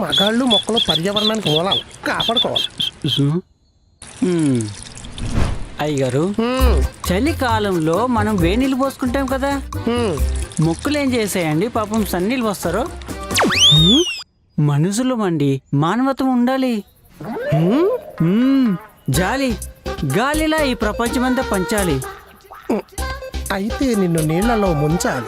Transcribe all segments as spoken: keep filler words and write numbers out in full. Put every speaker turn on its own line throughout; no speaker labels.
మగాళ్ళు మొక్కలు పర్యావరణానికి మూలాలు కాపాడుకోవాలి.
అయ్యగారు, చలికాలంలో మనం వేడి నీళ్ళు పోసుకుంటాం కదా, మొక్కలు ఏం చేసాయండి పాపం సన్నీళ్ళు పోస్తారు. మనుషులు మండి మానవత్వం ఉండాలి. జాలి గాలిలా ఈ ప్రపంచమంతా పంచాలి.
అయితే నిన్ను నీళ్లలో ముంచాలి.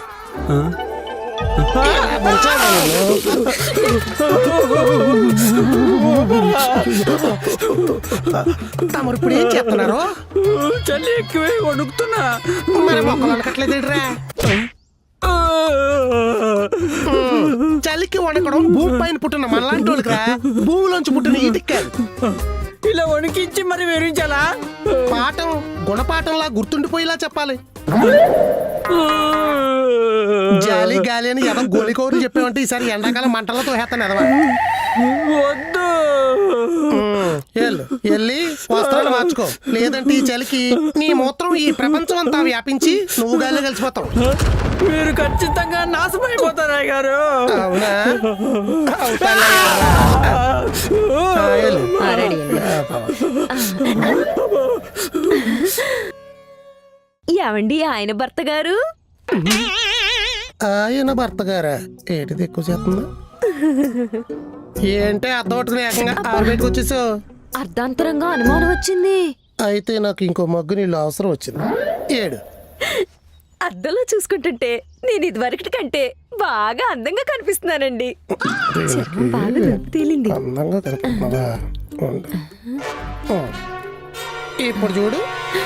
తమరు ఇప్పుడు ఏం చెప్తున్నారు?
చలి ఎక్కువే వణుకుతున్నా.
మరి మొక్కలు అనకట్లేదు. చలికి వణకడం భూమి పైన పుట్టిన మనలాంటి వాళ్ళకి, భూమిలోంచి పుట్టిన ఈటికి కాదు.
ఇలా వణికించి మరి వివరించాలా?
పాఠం గుణపాఠంలా గుర్తుండిపోయేలా చెప్పాలి. జాలి గాలి అని ఎదో గోలికోరు చెప్పామంటే ఈసారి ఎండాకాలం మంటల్లో తోహేస్తాను ఎదవా.
వద్దు,
వెళ్ళి వస్త్రాలు మార్చుకో, లేదంటే ఈ చలికి నీ మూత్రం ఈ ప్రపంచం అంతా వ్యాపించి నువ్వు గాలి కలిసిపోతావు.
మీరు ఖచ్చితంగా నాశమైపోతారా గారు?
అవునా?
ఏమండి ఆయన భర్త గారు?
ఆయన భర్త గారా? ఏంటిది ఎక్కువ చేస్తుందా? ఏంటే అర్థం పట్టుకుని ఏకంగా ఆరుబయటకు వచ్చేసావు?
అర్ధాంతరంగా అనుమానం వచ్చింది.
అయితే నాకు ఇంకో మగ్గు నీళ్ళు అవసరం వచ్చింది. ఏడు
అద్దంలో చూసుకుంటుంటే నేను ఇదివరకటి కంటే బాగా అందంగా కనిపిస్తున్నానండి. బాగా తేలింది.
అందంగా కనిపిస్తున్నావా? ఇప్పుడు చూడు.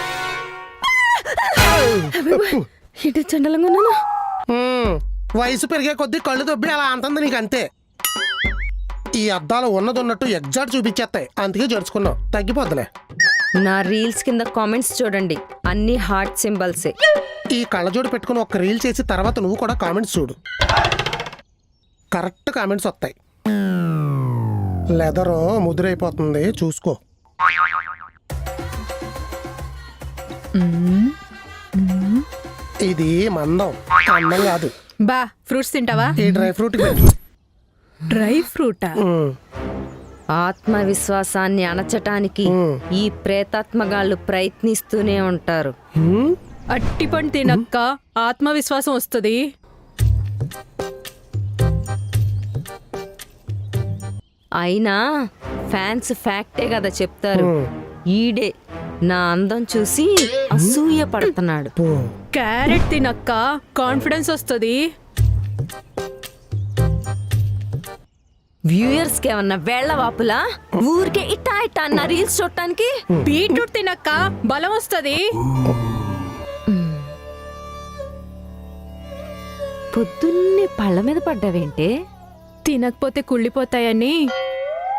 ఇటు చండలంగా ఉన్నాను.
వయసు పెరిగే కొద్దీ కళ్ళు దొబ్బి అలా అంటుంది నీకు, అంతే. ఈ అద్దాలు ఉన్నది ఉన్నట్టు ఎగ్జాక్ట్ చూపించేస్తాయి, అందుకే జరుచుకున్నావు. తగ్గిపోద్దులే.
నా రీల్స్ కింద కామెంట్స్ చూడండి, అన్ని హార్ట్ సింబల్సే.
ఈ కళ్ళజోడు పెట్టుకుని ఒక రీల్ చేసి తర్వాత నువ్వు కూడా కామెంట్స్ చూడు, కరెక్ట్ కామెంట్స్ వస్తాయి. లెదర్ ముద్రైపోతుంది, చూసుకో. ఇది మందం, అందం కాదు.
బా ఫ్రూట్స్ తింటావా?
ఈ డ్రై ఫ్రూట్
డ్రై ఫ్రూటా?
ఆత్మవిశ్వాసాన్ని అణచటానికి ఈ ప్రేతాత్మగాళ్ళు ప్రయత్నిస్తూనే ఉంటారు.
అట్టిపండు తినక్క ఆత్మవిశ్వాసం వస్తుంది.
అయినా ఫ్యాన్స్ ఫ్యాక్టే కదా చెప్తారు. ఈడే నా అందం చూసి అసూయ పడుతున్నాడు.
క్యారెట్ తినక్క కాన్ఫిడెన్స్ వస్తుంది.
వ్యూయర్స్ కి ఏమన్నా వేళ్ల వాపులా? ఊరికే ఇట్టా ఇట్టా అన్న రీల్స్ చూడటానికి.
బీట్రూట్ తినక్క బలం వస్తుంది.
పొద్దున్నే పళ్ళ మీద పడ్డావేంటే?
తినకపోతే కుళ్ళిపోతాయని